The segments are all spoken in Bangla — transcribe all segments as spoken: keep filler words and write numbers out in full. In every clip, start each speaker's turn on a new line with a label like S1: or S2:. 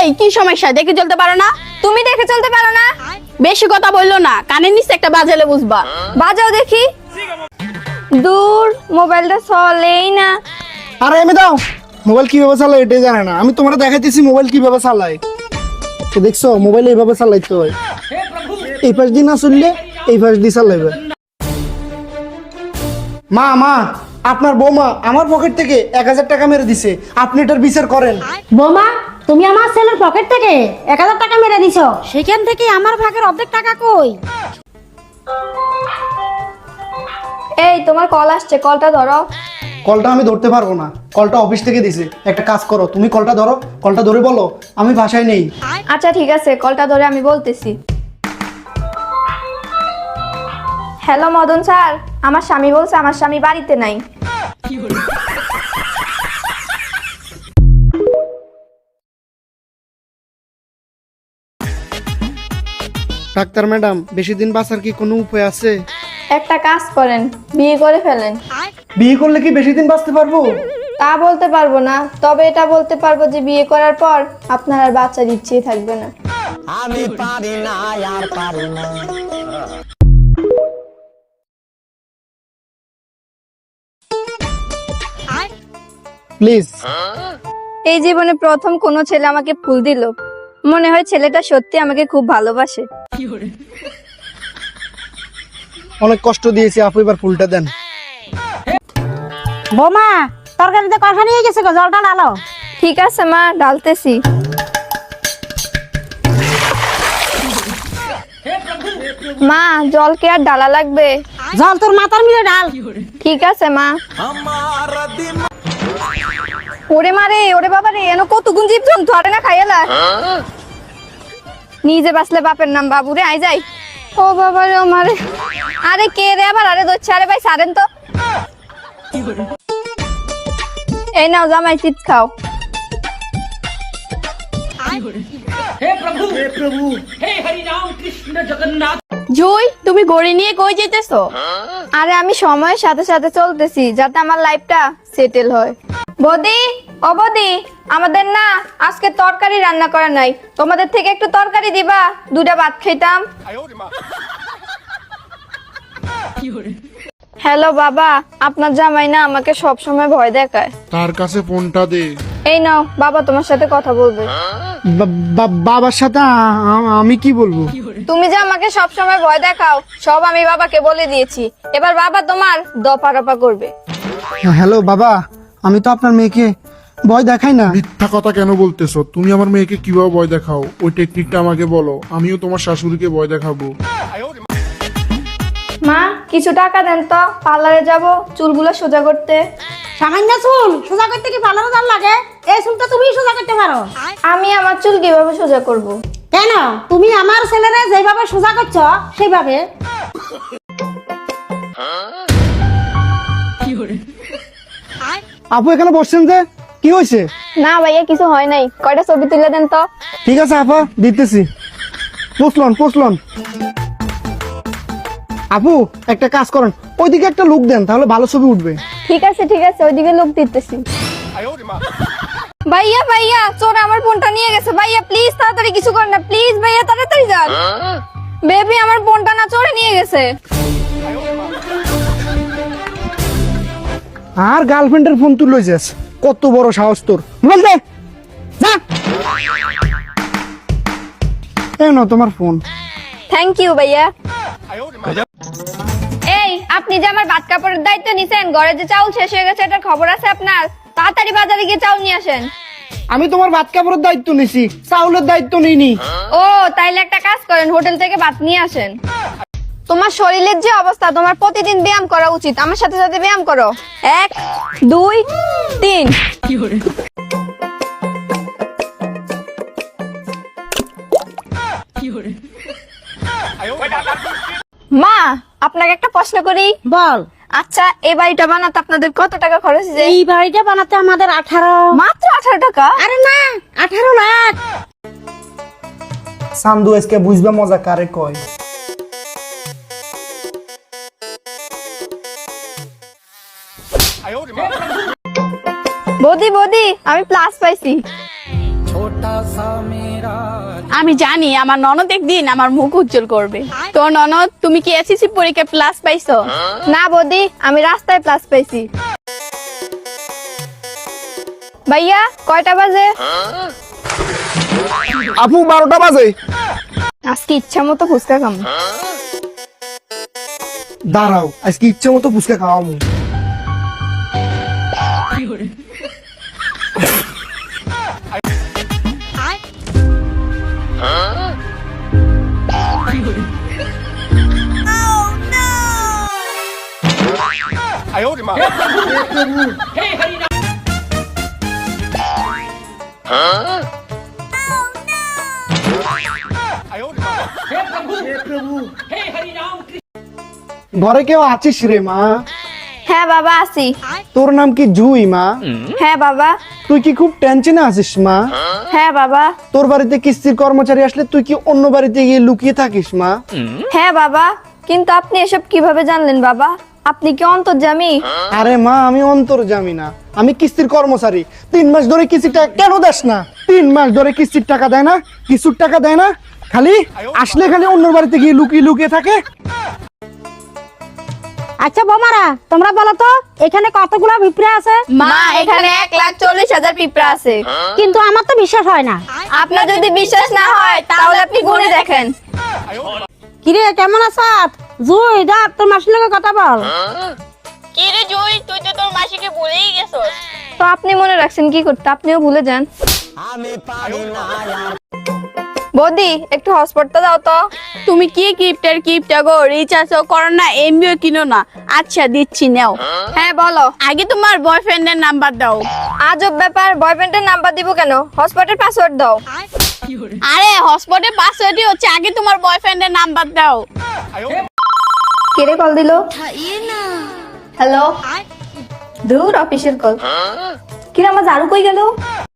S1: এই কি সমস্যা, দেখে চলতে পারো না?
S2: তুমি দেখে চলতে পারো না?
S1: বেশি কথা বললো না, কানের নিচে একটা বাজালে বুঝবা।
S2: বাজাও দেখি। দূর, মোবাইলটা চলেই না।
S3: আরে এমে দাও, মোবাইল কিভাবে চালায় এটাই জানে না। আমি তোমার দেখাইতেছি মোবাইল কিভাবে চালায়। তো দেখছো মোবাইল এইভাবে চালাইতে হয়, এই পাশ দিয়ে না চললে এই পাশ দিয়ে চালাইবে। মা মা আপনার বৌমা আমার পকেট থেকে এক হাজার টাকা মেরে দিছে, আপনি এটার বিচার করেন।
S4: বৌমা, তুমি আমার ছেলের পকেট থেকে এক হাজার টাকা মেরে দিছো, সেখান থেকে আমার ভাগের অর্ধেক টাকা কই?
S2: এই তোমার কল আসছে, কলটা ধরো।
S3: কলটা আমি ধরতে পারবো না, কলটা অফিস থেকে দিছে। একটা কাজ করো, তুমি কলটা ধরো, কলটা ধরে বলো আমি বাসায় নেই।
S2: আচ্ছা ঠিক আছে, কলটা ধরে আমি বলতেছি। হ্যালো মদন স্যার, আমার স্বামী বলছে আমার স্বামী বাড়িতে নাই।
S3: ডাক্তার ম্যাডাম, বেশি দিন বাঁচার কি কোনো উপায় আছে?
S2: একটা কাজ করেন, বিয়ে করে ফেলেন।
S3: বিয়ে করলে কি বেশি দিন বাঁচতে পারবো?
S2: তা বলতে পারবো না, তবে এটা বলতে পারবো যে বিয়ে করার পর আপনার আর বাচ্চার ইচ্ছেই থাকবে না।
S5: আমি পারি না আর পারি না।
S3: প্লিজ।
S2: এই জীবনে প্রথম কোনো ছেলে আমাকে ফুল দিল, মনে হয় ছেলেটা সত্যি আমাকে খুব ভালোবাসে।
S3: অনেক কষ্ট দিয়েছি আপু, এবার ফুলটা দেন।
S4: বৌমা, তরকারিতে কষা নিয়ে গেছে গো, জলটা ঢালো।
S2: ঠিক আছে মা, ডালতেছি। মা, জল কি আর ডালা লাগবে?
S4: জল তোর মাথার মিলে ডাল।
S2: ঠিক আছে মা। ওরে মারে, ওরে বাবা রে, এনো কত গুণ জীব জন্তু আরে না খাইয়ালা। নিজে বাসলে বাপের নাম বাবু রে, আই যাই। ও বাবা রে, ও মারে। আরে কে রে আবার, আরে দোচ্ছে, আরে ভাই সারেন তো। এই নাও জামাই, চিপস খাও।
S1: জুই, তুমি গড়ি নিয়ে কই যেতেছো?
S2: আরে আমি সময়ের সাথে সাথে চলতেছি, যাতে আমার লাইফটা সেটেল হয়। বদি, ও বদি, আমাদের না আজকে তরকারি রান্না করা নাই, তোমাদের থেকে একটু তরকারি দিবা, দুটা ভাত খেতাম। হ্যালো বাবা, আপনার জামাই না আমাকে সব সময় ভয় দেখায়।
S6: তার কাছে ফোনটা দে।
S2: এই নাও বাবা, তোমার সাথে কথা বলবে।
S3: বা- বা- বাবার সাথে আ- আ- আমি কি বলবো?
S2: তুমি যে আমাকে সব সময় ভয় দেখাও, সব আমি বাবাকে বলে দিয়েছি। এবার বাবা তোমার দপা রপা করবে।
S3: হ্যালো বাবা, আমি তো আপনার মেয়েকে ভয় দেখাই না।
S6: মিথ্যা কথা কেন বলতেছো? তুমি আমার মেয়েকে কিভাবে ভয় দেখাও, ওই টেকনিকটা আমাকে বলো, আমিও তোমার শাশুড়িকে ভয় দেখাবো।
S2: মা, কিছু টাকা দেন তো, পার্লারে যাব চুলগুলো সোজা করতে।
S4: সামান্য চুল সোজা করতে কি পার্লারে জাল লাগে? এই চুলটা তুমি সোজা করতে পারো।
S2: আমি আমার চুল কিভাবে সোজা করব?
S4: কেন? তুমি আমার ছেলেরে যেভাবে সোজা করছো সেইভাবে।
S3: আপু এখানে বসছেন যে, কি হয়েছে?
S2: না ভাইয়া, কিছু হয় নাই, কয়টা ছবি তুলে দেন তো।
S3: ঠিক আছে আপা, দিতেছি। পুষলন পুষলন। আপু একটা কাজ করেন, ওইদিকে একটা লুক দেন, তাহলে ভালো ছবি উঠবে।
S2: ঠিক আছে ঠিক আছে, ওইদিকে লোক দিতেছি। ভাইয়া ভাইয়া, চোর আমার ফোনটা নিয়ে গেছে। ভাইয়া প্লিজ তাড়াতাড়ি কিছু করেন না, প্লিজ ভাইয়া তাড়াতাড়ি যান। বেবি, আমার ফোনটা না চোরে নিয়ে গেছে।
S3: আর গার্লফ্রেন্ডের ফোন তুলে যাস, কত বড় সাহস তোর! মোবাইল দে, যা। এই নাও তোমার ফোন।
S2: থ্যাংক ইউ ভাইয়া। এই, আপনি যে আমার ভাত কাপড়ের দায়িত্ব নিছেন, ঘরে যে চাউল শেষ হয়ে গেছে এটার খবর আছে আপনার? তাড়াতাড়ি বাজারে গিয়ে চাউল নিয়ে আসেন।
S3: আমি তোমার ভাত কাপড়ের দায়িত্ব নিছি, চাউলের দায়িত্ব নিইনি।
S2: ও, তাইলে একটা কাজ করেন, হোটেল থেকে ভাত নিয়ে আসেন। তোমার শরীরের যে অবস্থা, তোমার প্রতিদিন ব্যায়াম করা উচিত। আমার সাথে সাথে ব্যায়াম করো। এক, দুই, তিন। মা, আপনাকে একটা প্রশ্ন করি।
S4: বল।
S2: আচ্ছা, এই বাড়িটা বানাতে আপনাদের কত টাকা খরচ হয়েছে?
S4: এই বাড়িটা বানাতে আমাদের আঠারো।
S2: মাত্র আঠারো টাকা?
S4: আরে না, আঠারো লাখ।
S3: সান্দু আজকে বুঝবে মজা কারে কয়।
S2: বৌদি বৌদি, আমি প্লাস পাইছি।
S5: ছোটা
S1: আমি জানি আমার ননদ একদিন আমার মুখ উজ্জ্বল করবে। তো ননদ, তুমি কি এসএসসি পরীক্ষায় প্লাস পাইছো?
S2: না বৌদি, আমি রাস্তায় প্লাস পাইছি। ভাইয়া কয়টা বাজে?
S3: আপু বারোটা বাজে।
S2: আজকে ইচ্ছা মতো ফুচকা খাম।
S3: দাঁড়াও, আজকে ইচ্ছে মতো ফুচকা খাওয়াবো। ঘরে কেউ আছিস রে মা?
S2: হ্যাঁ বাবা আসি।
S3: তোর নাম কি জুই মা?
S2: হ্যাঁ বাবা।
S3: তুই কি খুব টেনশনে আছিস মা?
S2: হ্যাঁ বাবা।
S3: তোর বাড়িতে কিস্তির কর্মচারী আসলে তুই কি অন্য বাড়িতে গিয়ে লুকিয়ে থাকিস মা?
S2: হ্যাঁ বাবা, কিন্তু আপনি এসব কিভাবে জানলেন বাবা? আপনি কি অন্তর্যামী?
S3: আরে মা, আমি অন্তর্যামী না, আমি কিস্তির কর্মচারী। তিন মাস ধরে কিস্তির টাকা কেন দেস না? তিন মাস ধরে কিস্তির টাকা দেয় না, কিছুর টাকা দেয় না, খালি আসলে খালি অন্য বাড়িতে গিয়ে লুকিয়ে লুকিয়ে থাকে।
S4: আচ্ছা বোমারা, তোমরা বলো তো এখানে কতগুলো পিঁপড়ে আছে?
S2: মা, এখানে এক লাখ চল্লিশ হাজার পিঁপড়া আছে।
S4: কিন্তু আমার তো বিশ্বাস হয় না।
S2: আপনার যদি বিশ্বাস না হয় তাহলে আপনি গুনে দেখেন।
S4: কিরে কেমন আছিস? জুই ডাক তোর মাসির লগে কথা বল।
S1: কি রে জুই, তুই তো তোর মাসিকে ভুলেই গেছস।
S2: তো আপনি মনে রাখছেন কি করতে, আপনিও ভুলে যান।
S5: আমি পারি না আর
S2: বৌদি একটু হটস্পটটা দাও তো।
S1: তুমি কি কিপটার কিপটা গো, রিচার্জও করো না, এমবিও কিনো না। আচ্ছা দিচ্ছি, নাও।
S2: হ্যাঁ বলো।
S1: আগে তোমার বয়ফ্রেন্ডের নাম্বার দাও।
S2: আজব ব্যাপার, বয়ফ্রেন্ডের নাম্বার দিব কেন? হটস্পটের পাসওয়ার্ড দাও।
S1: আরে হটস্পটের পাসওয়ার্ডই হচ্ছে, আগে তোমার বয়ফ্রেন্ডের নাম্বার দাও।
S2: কেড়ে কল দিল? হ্যালো, দূর অফিসের কল। কিরে আমার ঝাড়ু কই গেল?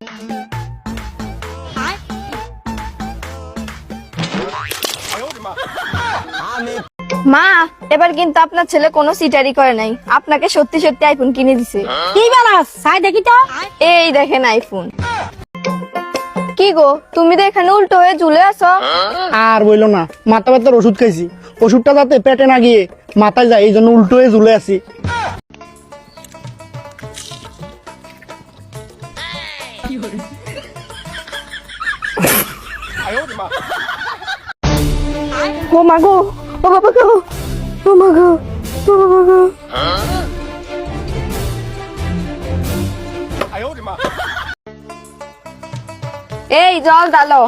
S2: মা, এবার কিন্তু আপনার ছেলে কোনো সিটারি করে নাই, আপনাকে সত্যি সত্যি আইফোন কিনে দিছে।
S4: কি বলাস? সাই দেখি তো।
S2: এই দেখেন আইফোন। কি গো, তুমি তো এখানে উল্টো হয়ে ঝুলে আছো।
S3: আর বইলো না, মাথা ব্যথার ওষুধ খাইছি, ওষুধটা যাতে পেটে না গিয়ে মাথায় যায়, এই জন্য উল্টো হয়ে ঝুলে আছি।
S2: ও মা গো, ও বাবা গো, ও মা গো, ও বাবা গো। এই জল ডালো।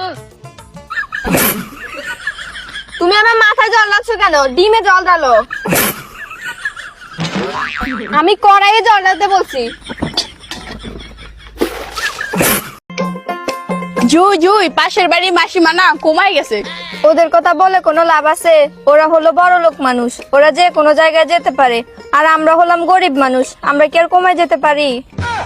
S2: তুমি আমার মাথায় জল ডালছ কেন? ডিমে জল ডালো। আমি কড়াইয়ে জল ডালতে বলছি।
S1: জুই জুই, পাশের বাড়ি মাসিমা না কমাই গেছে।
S2: ওদের কথা বলে কোনো লাভ আছে? ওরা হলো বড় লোক মানুষ, ওরা যে কোনো জায়গায় যেতে পারে, আর আমরা হলাম গরিব মানুষ, আমরা কি আর কমায় যেতে পারি?